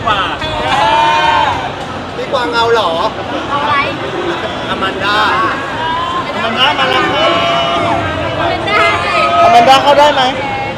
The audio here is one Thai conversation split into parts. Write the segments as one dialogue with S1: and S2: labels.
S1: กว่า
S2: พี่กวางเอาเหรอ
S3: เอาอะไร
S2: อแมนด้า
S1: มาแล้ว
S3: เป็นได้
S4: อแมนด้าเข้าได้ไหม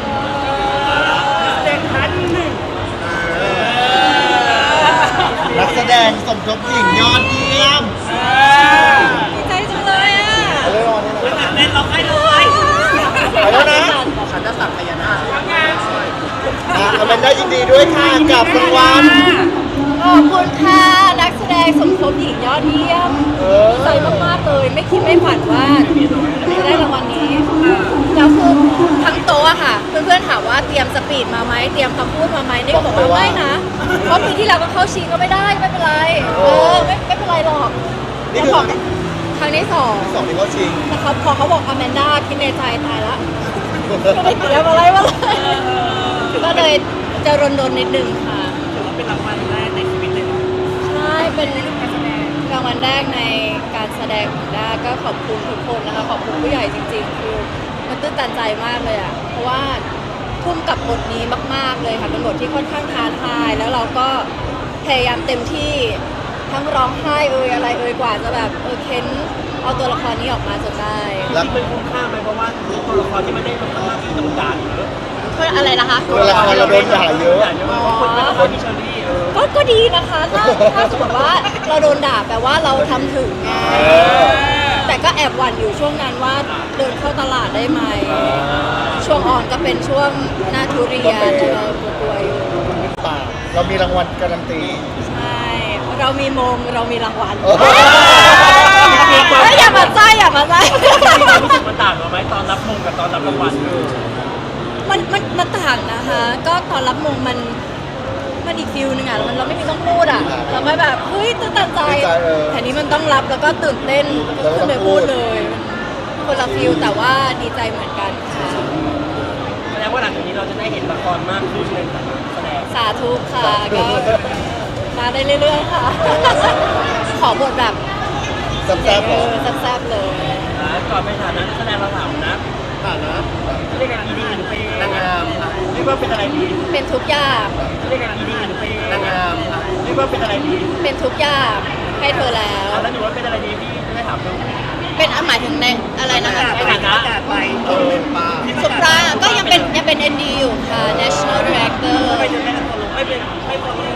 S4: นักแสดงสมทบหญิงยอดเยี่ยม
S3: ดีใจจังเลยอ่ะ
S4: เอาเลยรอนี่เลย
S1: เล่นเราให้เลย
S4: ไปแล้วนะ
S2: ฉันจะสั่งพญานาค
S4: อแมนด้ายินดีด้วยค่ะกับรางวัล
S3: ขอบคุณค่ะนักแสดงสมทบหญิงยอดเยี่ยมดีใจมากๆเลยไม่คิดไม่ฝันว่าจะได้รางวัลนี้แล้วคือทั้งโต๊ะอะค่ะเพื่อนๆถามว่าเตรียมสปีดมาไหมเตรียมคำพูดมาไหมนี่ก็บอกว่าไม่นะเพราะปีที่แล้วก็เข้าชิงก็ไม่ได้ไม่เป็นไรไม่เป็นไรหรอก
S4: นี่คือ
S3: ครั้งที่สอง
S4: สองที่เขาชิง
S3: นะครับพอเขาบอกอแมนด้าคิดในใจตายละไม่ได้เตรียมอะไรมาเลยก็เลยจะรนนิดนึงค่ะ
S1: ถือว่าเป็นรางวัลแรกในชีวิตเลยเนาะ
S3: ใช่เป็นรางวัลแรกในการแสดงของด้าก็ขอบคุณทุกคนนะคะขอบคุณผู้ใหญ่จริงๆคือมันตื้นตันใจมากเลยอ่ะเพราะว่าทุ่มกับบทนี้มากๆเลยค่ะเป็นบทที่ค่อนข้างท้าทายแล้วเราก็พยายามเต็มที่ทั้งร้องไห้อะไรกว่าจะแบบเค้นเอาตัวละครนี้ออกมาจนได้
S1: จริงๆมันคุ้มค่าไหมเพราะว่าตัวละครที่มันได้มันค่อนข้างที่โดนด่าเยอะ
S3: อะไรนะคะ
S4: ตัวละครเราโดนด่าเยอะ
S1: คนเป็นคนที่เชอรี่
S3: ก็ดีนะคะถ้าสมมติว่าเราโดนด่าแปลว่าเราทำถึงไงแต่ก็แอบหวั่นอยู่ช่วงนั้นว่าเดินเข้าตลาดได้ไหมช่วงอ่อนก็เป็นช่วงหน้าทุเรียนเรากลัวอยู่
S4: ป่าเรามีรางวัลการันตี
S3: ใช่เรามีมงเรามีรางวัล
S4: โอ้โห
S3: อย่ามาไส้อย่ามาไส้
S1: มีความรู้สึกมันต่างกันไหมตอนรับมงกับตอนรับรางวัล
S3: มันต่างนะคะ ก็ตอนรับมงมันอีกฟิลนึงอ่ะเราไม่มีต้องพูดอ่ะเราไม่แบบเฮ้ยตื่นตันใจแต่นี้มันต้องรับแล้วก็ตื่นเต้นก็ขึ้นไปพูดเลยมันคนละฟิลแต่ว่าดีใจเหมือนกันค่ะ
S1: แสดงว่าหลังจากนี้เราจะได้เห็นละครมากขึ้นในแสดง
S3: สาธุค่ะก็มาได้เรื่อยๆค่ะ ขอบทแบบ
S4: แซ่บๆเหรอ
S3: แซ่บๆเลย
S1: ก่อนไปถามนักแสดงเราถามนะ
S2: ผ่านนะ
S1: เรียกกันดีหรือเป็น
S2: นางงามครับ
S1: เรียกว่าเป็นอะไรดี
S3: เป็นทุกอย่าง
S1: เรียกกันดีหรือเป็น
S2: นางงามครับ
S1: เรียกว่าเป็นอะไรดี
S3: เป็นทุกอย่างให้เธอแล้ว
S1: แล้วหนูว่าเป็นอะไรดีพี่ไม่ได้ถามดู
S3: เป็นหมายถึงในอะไรนะคะ
S1: ในฐานะไป
S2: ป้า
S3: สุปราก็ยังเป็น ND อยู่ค่ะ National Director
S1: ไปจนได้กันตัวลงไม่เป็นไม่พอลง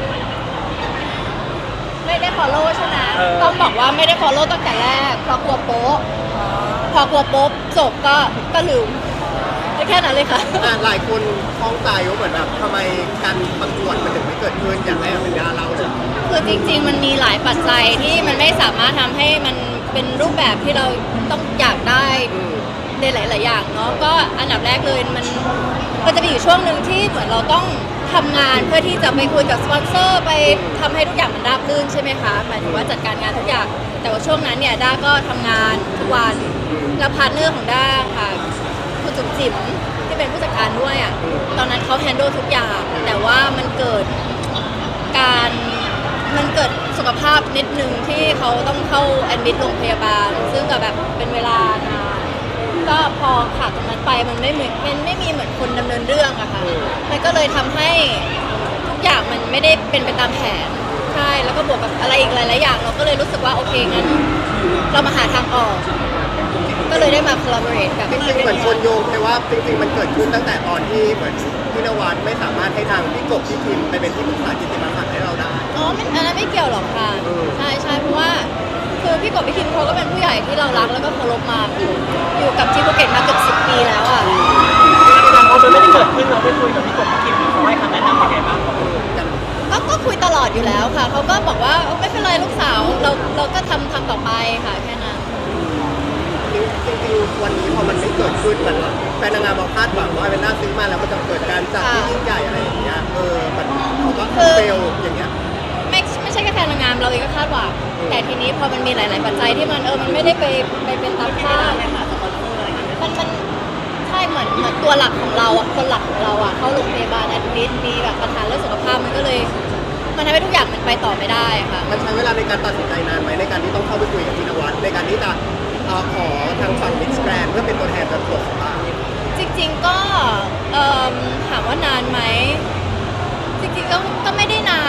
S3: ไม่ได้ follow ใช่ไหมต้องบอกว่าไม่ได้ follow ตั้งแต่แรกเพราะกลัวโป๊ะพอกลัวโป๊ะจบก็ลืมแค่นั้นเลยค่ะ
S2: หลายคนฟ้องใจว่าเหมือนแบบทำไมการประกวดมันถึงไม่เกิดขึ้นอย่างแรกเป็นดาราเลย
S3: คือจริงๆมันมีหลายปัจจัยที่มันไม่สามารถทำให้มันเป็นรูปแบบที่เราต้องอยากได้ในหลายๆอย่างเนาะก็อันดับแรกเลยมันจะมีอยู่ช่วงหนึ่งที่เหมือนเราต้องทำงานเพื่อที่จะไปคุยกับสปอนเซอร์ไปทำให้ทุกอย่างมันราบรื่นใช่ไหมคะหมายถึงว่าจัดการงานทุกอย่างแต่ว่าช่วงนั้นเนี่ยด้าก็ทำงานทุกวันแล้วพาร์ทเนอร์ของด้าค่ะคุณจุ๋มจิ๋มที่เป็นผู้จัดการด้วยอ่ะตอนนั้นเขาแฮนด์ลทุกอย่างแต่ว่ามันเกิดสุขภาพนิดนึงที่เขาต้องเข้าแอดมิดโรงพยาบาลซึ่งก็แบบเป็นเวลานานก็พอขาดตรงนั้นไปมันไม่มีเหมือนคนดำเนินเรื่องอะค่ะมันก็เลยทำให้ทุกอย่างมันไม่ได้เป็นไปตามแผนใช่แล้วก็บวกกับอะไรอีกหลายๆอย่างเราก็เลยรู้สึกว่าโอเคงั้นเรามาหาทางออกก็เลยได้มา collaborate กับ
S2: จริงๆเหมือนคนโยงไปว่าจริงๆมันเกิดขึ้นตั้งแต่ตอนที่เหมือนพี่นวัดไม่สามารถให้ทางพี่กบพี่คิมไปเป็นที่ปรึกษากิจการให้เราได้
S3: อ๋ออันนั้นไม่เกี่ยวหรอกค่ะใช่เพราะว่าคือพี่กบพี่คิมเขาก็เป็นผู้ใหญ่ที่เรารักแล้วก็เคารพมาอยู่กับที่ภูเก็ตมาเกือบ10 ปีแล้วอ่ะ
S1: พอมันไม่ได้เกิดขึ้นเราไปคุยกับพี่กบพี่คิมเขาให้คำแนะนำยังไงบ้าง
S3: ก็คุยตลอดอยู่แล้วค่ะเขาก็บอกว่าไม่เป็นไรลูกสาวเราก็ทำต่อไปค่ะแค่นั้น
S2: จริงๆวันนี้พอมันไม่เกิดขึ้นมันแฟนนางงามเราคาดหวังว่าเป็นหน้าซื้อมาแล้วมันจะเกิดการจัดที่ยิ่งใหญ่อะไรอย่างเงี้ยมันเขาก็เฟลอย่างเงี้ย
S3: ไม่ใช่แค่แฟนนางงามเราเองก็คาดหวังแต่ทีนี้พอมันมีหลาย ๆ ปัจจัยที่มันไม่ได้ไปเป็นตามคาดมันใช่เหมือนตัวหลักของเราอ่ะคนหลักของเราอ่ะเข้าโรงพยาบาลแอดมิดมีแบบปัญหาเรื่องสุขภาพมันก็เลยมันทำให้ทุกอย่างมันไปต่อไม่ได้ค่ะ
S2: มันใช้เวลาในการตัดสินใจนานไหมในการที่ต้องเข้าไปคุยกับพี่นวัดในการที่จะขอทางฝั่งมิสแกรนเพื่อเป็นตัวแทนการตรวจสอบ
S3: จริงๆก็ถามว่านานไหมจริงๆก็ไม่ได้นาน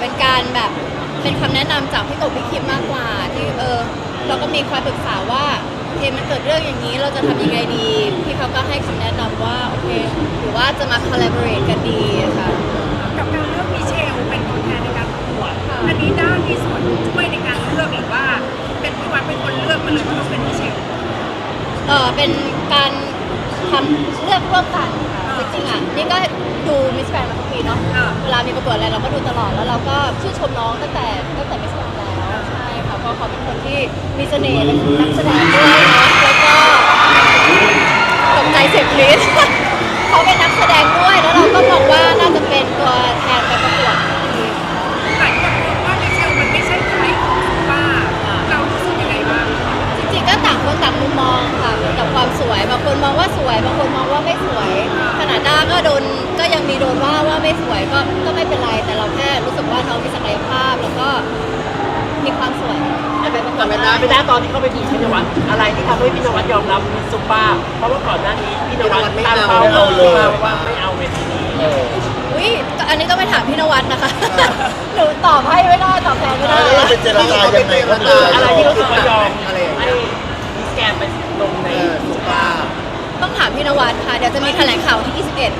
S3: เป็นการแบบเป็นคำแนะนำจากพี่กบพี่คิมมากกว่าที่เราก็มีคอยปรึกษาว่าโอเคมันเกิดเรื่องอย่างนี้เราจะทำยังไงดีพี่เขาก็ให้คำแนะนำว่าโอเคหรือว่าจะมา collaborate กันดีค่ะ
S5: กับการเลือกมิเชลเป็นตัวแทนในการประกวดอันนี้ด้ามีส่วนช่วยในการเลือกหรือว่าเป็นพี่วัดเป็นคนเลือกมาเลยว่าต้องเป็นมิเชล
S3: เป็นการทำเลือกร่วมกันค่ะจริงๆอ่ะนี่ก็ดูมิสแกรนด์มาทุกปีเนาะเวลามีประกวดอะไรเราก็ดูตลอดแล้วเราก็ชื่นชมน้องตั้งแต่มิสแกรนด์แล้วใช่ค่ะเพราะเขาเป็นคนที่มีเสน่ห์เป็นนักแสดงด้วยเนาะแล้วก็ตกใจเสียงกรี๊ด เขาเป็นนักแสดงด้วยแล้วเราก็มองว่าน่าจะเป็นตัวแทนไปประกวดที่ดีค่ะ
S5: หลายคนมองว่ามิเชลมันไม่ใช่ไทยของป้าเรารู้สึกยังไงบ้าง
S3: จริงๆก็ต่างคนต่างมุมมองค่ะกับความสวยบางคนมองว่าสวยบางคนมองว่าไม่สวยขนาดด้าก็ยังมีโดนว่าไม่สวยก็ไม่เป็นไรแต่เราแค่รู้สึกว่าน้องมีศักยภาพแล้วก็มีความสวย
S1: แต่เป็นไม่ได้ตอนที่เข้าไปดีพี่นวัดอะไรที่ทำให้พี่นวัดยอมรับมิสซุปเปอร์เพราะว่าก่อนหน้านี้พี่นวัดตั้งเป้าว่าไม่เอาเวทีนี้
S3: อุ้ยอันนี้ต้องไปถามพี่นวัดนะคะ หนูตอบให้ไม่ได้ตอบแทนไม่ได้
S4: แล้วเป็นเจรจายังไงครับ
S1: อะไรที่รู้สึกว่ายอมให้มิสแกนไปลงใน
S2: สุภาพ
S3: ต้องถามพี่นวัดค่ะเดี๋ยวจะมีแถลงข่าวที่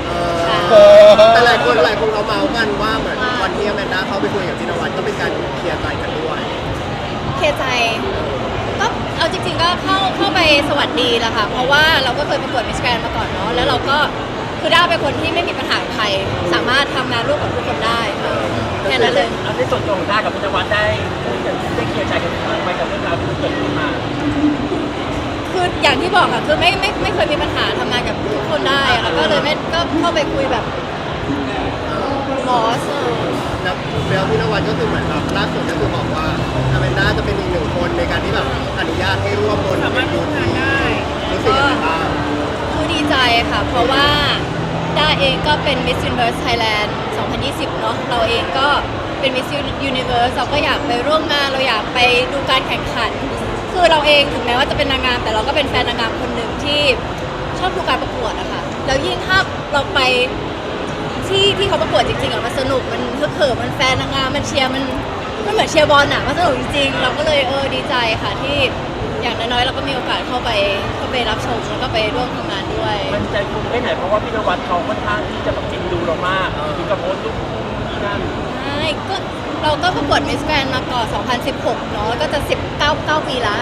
S3: 21 ค่ะ
S2: แต่หลายคนเขาเมาส์กันว่าเหมือนวันที่แมนด้าเขาไปคุยกับพี่นวัดก็เป็นการเคลียร์ใจกันด้วย
S3: เคใจก็เอาจริงๆก็เข้าไปสวัสดีแหละค่ะเพราะว่าเราก็เคยประกวดมิสแกรนด์มาก่อนเนาะแล้วเราก็คือด้าเป็นคนที่ไม่มีปัญหากับใครสามารถทำงานร่วมกับทุกคนได้แค่นั้นเลย
S1: ในส่วนตัวของด้ากับพี่นวัดได้เคลียร์ใจกันไปกับเรื่องราวที่เกิดขึ้นมา
S3: คืออย่างที่บอกค่ะคือไม่เคยมีปัญหาทำงานกับทุกคนได้ค่ะก็เลยก็เข้าไปคุยแบบบอส
S2: แล้วพี่นวัดก็คือเหมือนแบบล่าสุดก็คือบอกว่าแมนด้าจะเป็นอีกหนึ่งคนในการที่แบบอนุญาตให้ร่วมบน
S5: สามารถร่วมงานได้
S2: รู้สึกยังไงบ้าง
S3: คือดีใจค่ะ เพราะว่าด้าเองก็เป็น Miss Universe Thailand 2020 เนาะเราเองก็เป็น Miss Universe เราก็อยากไปร่วมงานเราอยากไปดูการแข่งขัน คือเราเองถึงแม้ว่าจะเป็นนางงามแต่เราก็เป็นแฟนนางงามคนหนึ่งที่ชอบดูการประกวดอะค่ะแล้วยิ่งถ้าเราไปที่เขาประกวดจริงๆอะมันสนุกมันฮึกเหิมมันแฟนนางงามมันเชียร์มันเหมือนเชียร์บอลอะมันสนุกจริงๆเราก็เลยดีใจค่ะที่อย่างน้อยๆเราก็มีโอกาสเข้าไปรับชมแล้วก็ไปร่วมทำงานด้วย
S1: มันใจคุณไม่ไหนเพราะว่าพี่นวัดเขาค่อนข้างที่จะแบบจริงดูเรามากถึงกับโพสต์รูปนั่น
S3: ใช่ก็เราก็ประกวดมิสแกรนด์มาก่อน 2016 เนาะก็จะ19 ปีละ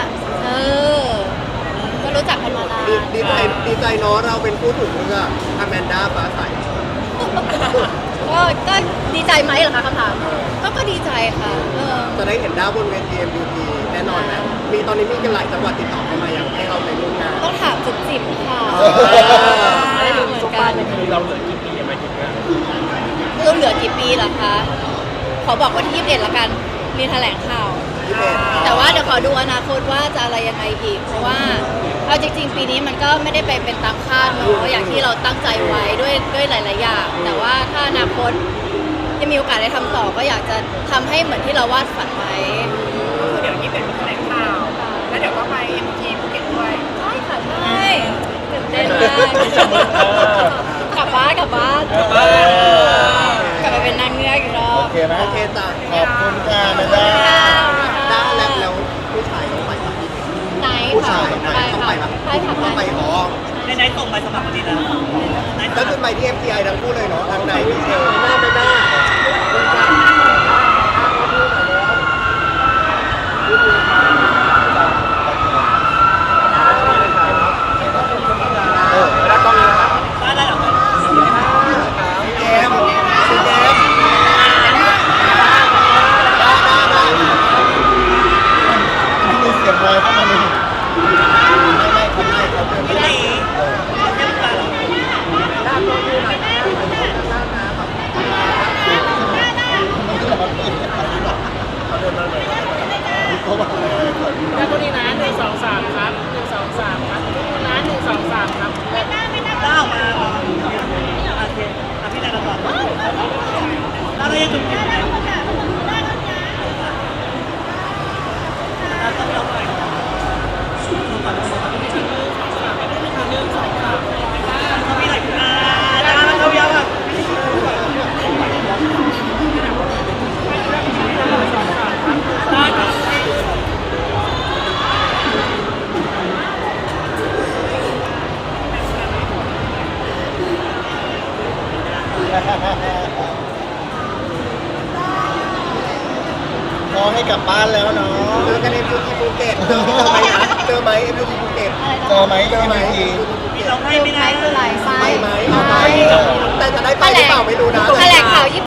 S3: ก็รู้จักกันมานาน
S2: ดีใจเนาะเราเป็นผู้ถูกเลือกอแมนด้าฟ้าใส
S3: ก็ดีใจไหมเหรอคะคำถามก็ดีใจค่ะ
S2: จะได้เห็นด้าบนเวที MVP แน่นอนนะตอนนี้มีกันหลายจังหวัดติดต่อเข้ามาอยากให้เราไปร่วมงาน
S3: ต้องถามจุดจิบค่ะ
S1: ไม่รู้ซุปเปอร์เนี่ยคือเราเหลือกี่ปีหมายถึงว่า
S3: เราเหลือกี่ปีเหรอคะขอบอกว่าที่21ละกันมีแถลงข่าว แต่ว่าเดี๋ยวขอดูอนาคตว่าจะอะไรยังไงอีก เพราะว่าเอาจริงๆปีนี้มันก็ไม่ได้ไปเป็นตามคาดเนอะอย่างที่เราตั้งใจไว้ด้วยหลายๆอย่าง แต่ว่าถ้าอนาคตจะมีโอกาสได้ทำต่อก็อยากจะทำให้เหมือนที่เราวาดฝันไว้
S5: เดี๋ยวนี้เป็นแถลงข่าวแล้วเดี๋ยวก็ไป MT ภูเก็ตด้วย
S3: ใช่ค่ะใช่ตื่นเต้นมากกลับบ้านกลับไปเป็นนางเงือกอีกรอ
S4: โอบ เคไหม
S2: โอเคจ้ะ
S4: ขอบคุณค่ะแมนด้า
S2: ด้าแล้วผู้ชายต้องไปปะ
S3: ไหน
S2: ผู้
S3: ค่ะ
S2: ชาย
S3: ไป
S2: ต้อง
S3: ค่ะ
S2: ไปปะ
S3: ไปค่ะ
S2: ต้อง
S3: ไป
S2: ไปอ๋อ
S1: ในส่งไปสมัครวันนี้แล้ว
S2: ก็คือไปที่ MTI ทั้งคู่เลยเนาะทางไหนพี่เชล
S1: หน้าไปหน้า
S2: แล้วก็มี
S1: ได้หรอ
S2: เกมซีเกมได้
S4: ที่มีเสียงลอยเข้ามาหนึ่งไม่เขาเดินไม่ได้ เขาบอกอะไร
S1: ได้ตัวนี้นะ1 2 3ครับ1 2 3ครับนะ1 2 3ครับได้ออกมาโอเคพี่ได้แล้วก่อนแล้วเรายังจุดอยู่แล้วก็ไม่เอาไป
S4: พอให้กลับบ้านแล้วเนาะ
S2: เจอกันในที่ภูเก็ตเจอไหมนะเจอไหมเอ็มยูที่ภูเก็ต
S4: เจอไหมเจอไหม
S1: มีร้องไห้ไหมนะ
S3: คืออะไร
S2: ไปไหมเอาไปแต่จะได้ไปหรือเปล่าไม่รู้นะ
S3: แถลงข่าว